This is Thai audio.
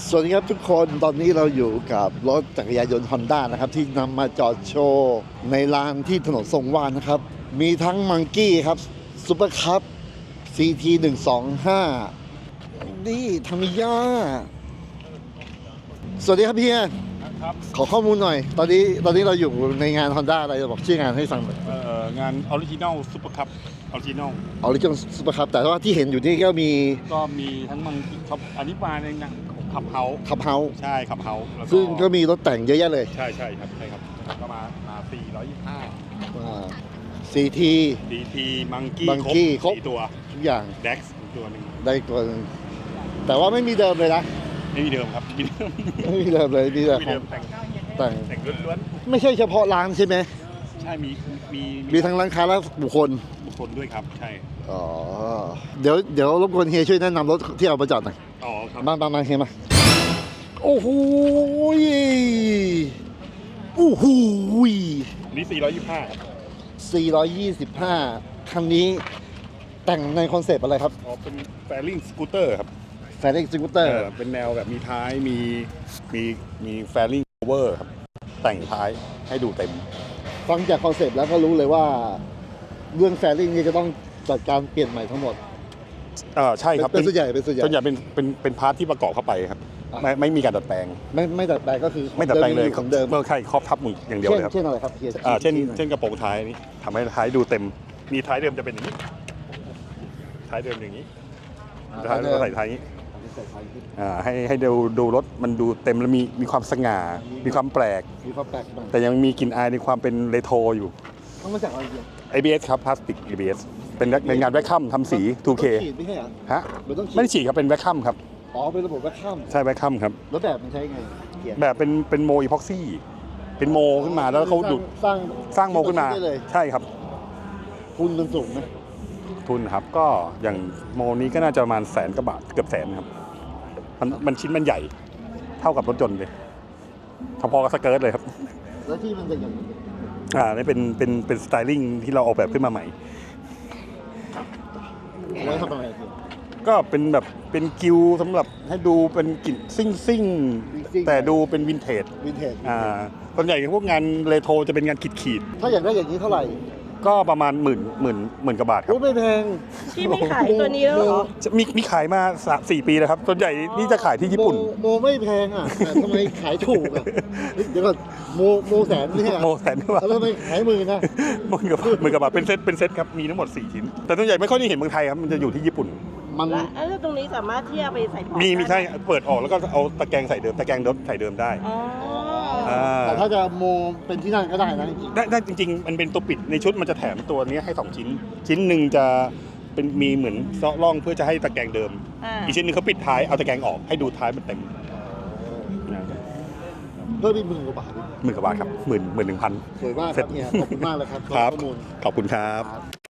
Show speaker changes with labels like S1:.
S1: สวัสดีครับทุกคนตอนนี้เราอยู่กับรถจักรยานยนต์ Honda นะครับที่นำมาจอดโชว์ในลานที่ถนนทรงวาลนะครับ มีทั้งมังกี้ครับซูเปอร์คัพ CT 125นี่ทามิยาสวัสดีครับพี่
S2: ครับ
S1: ขอข้อมูลหน่อย ตอนนี้เราอยู่ในงาน Honda อะไรจะบอกชื่องานให้ฟังหน่อย
S2: งานออริจินอลซุปเปอร์คัพออริจินอล
S1: ซูเปอร์คัพแต่ว่าที่เห็นอยู่นี่ก็มี
S2: ทั้งมังคับอันนี้มาในงานขับเฮาใช่ขับเฮา
S1: ซึ่งก็มีรถแต่งเยอะแยะเลย
S2: ใช่ครับก็มา425
S1: CT
S2: DT มังกี้ครบ4ตัว
S1: ทุกอย่าง
S2: Dex ตัวหนึ่ง
S1: ได้ตัวนึงแต่ว่าไม่มีเดิมเลยนะ
S2: ไม่มีเดิมครับ
S1: ไม่มีเดิมเลยมีแต่แต่ง
S2: ล้วน
S1: ไม่ใช่เฉพาะร้านใช่ไหม
S2: ใช่
S1: มีทั้งร้านค้าและบุคคล
S2: ด้วยครับใช่
S1: อ๋อเดี๋ยวรบกวนเฮียช่วยแนะนำรถที่เอามาจอดหน่อย
S2: อ๋อครับ
S1: มาเฮียมาโอ้โห
S2: นี่
S1: 425คันนี้แต่งในคอนเซปต์อะไรครับ
S2: อ๋อเป็นแฟริ่งสกูตเตอร์ครับ
S1: แฟริ่งสกูตเตอร์
S2: เป็นแนวแบบมีท้ายมีแฟริ่งโอเวอร์ครับแต่งท้ายให้ดูเต็ม
S1: ฟังจากคอนเซปต์แล้วก็รู้เลยว่าเรื่องแฟริ่งนี่จะต้องจัดการเปลี่ยนใหม่ทั้งหมด
S2: ใช่ครับ
S1: เป็นส่วนใหญ่
S2: เป็นพาร์ทที่ประกอบเข้าไปครับไม่มีการดัดแปลง
S1: ไม่ดัดแปลงก็คือ
S2: ไม่ดัดแปลงเลย
S1: ของเดิม
S2: เมื่อใช่ครอบทับมึงอย่างเดียวเลยครับ
S1: เช่นอะไรครับ
S2: เช่นกระโปรงท้ายนี้ทำให้ท้ายดูเต็มมีท้ายเดิมจะเป็นอย่างนี้ท้ายเดิมอย่างนี้ท้ายเดิมใส่ท้ายนี้ให้ดูรถมันดูเต็มแล้วมีความสง่ามีความแปลกแต่ยังมีกลิ่นอายในความเป็นเรโทรอยู่
S1: ต้องมาจากอะไร
S2: ABS ครับพลาสติก ABS เป็นงานแวคคัมทำสี 2K ฮะไม่ได้ฉีดครับเป็นแวคคัมครับ
S1: อ๋อเป็นระบบแวคคัม
S2: ใช่แวคคัมครับ
S1: แล้วแบบมันใช้ไง
S2: แบบเป็นโมอีพ็อกซี่เป็นโมขึ้นมาแล้วเขาดูดสร้างโมขึ้นมาใช่ครับ
S1: ทุนมันสูงไหม
S2: ทุนครับก็อย่างโมนี้ก็น่าจะประมาณ100,000 กว่าบาทเกือบ100,000ครับมันชิ้นมันใหญ่เท่ากับรถยนต์เลยพอๆกับสเกิร์ตเลยครับ
S1: แล้วที่มันจะอย่าง
S2: นี่เป็นสไตลิ่งที่เราออกแบบขึ้นมาใหม่
S1: แล้วทำอะไร
S2: ก็เป็นแบบเป็นกิวสำหรับให้ดูเป็นกลิ่นซิ่งแต่ดูเป็นวินเทจส่วนใหญ่พวกงานเรโทรจะเป็นงานขีด
S1: ถ้าอยากได้อย่างนี้เท่าไหร่
S2: ก็ประมาณหมื่นกว่าบาทครับ
S1: ไม่แพง
S3: พี่ไม่ขายตัวนี้แล้วเหรอ
S2: มีขายมา 4 ปีแล้วครับส่วนใหญ่นี่จะขายที่ญี่ปุ่น
S1: โมไม่แพงอ่ะแต่ทำไมขายถูกอ่ะเดี๋ยวก่อนโมแสนนี่
S2: โมแสนกว่า
S1: แล้วทำไมขายหมื่นนะ
S2: หมื่นกว่าบาทเป็นเซตครับมีทั้งหมด4 ชิ้นแต่ส่วนใหญ่ไม่ค่อยได้เห็นเมืองไทยครับมันจะอยู่ที่ญี่ปุ่น
S3: แล้วตรงนี้สามารถที่จะไปใส่ของ
S2: มีใช่เปิดออกแล้วก็เอาตะแกรงใส่เดิมตะแกรงรถใส่เดิมได้
S1: แต่ถ้าจะโมเป็นที่นั่นก็ได้นะ
S2: ได้จริงๆมันเป็นตัวปิดในชุดมันจะแถมตัวนี้ให้2 ชิ้นหนึ่งจะเป็นมีเหมือนซอกล่องเพื่อจะให้ตะแกรงเดิมอีกชิ้นนึงเขาปิดท้ายเอาตะแกรงออกให้ดูท้ายมันเต็ม
S1: เพิ่มอีก10,000 กว่าบาท
S2: 10,000 กว่าบาทครับ11,000
S1: สวยมากครับเนี่ยขอบคุณมากเลยครับ
S2: ขอบคุณครับ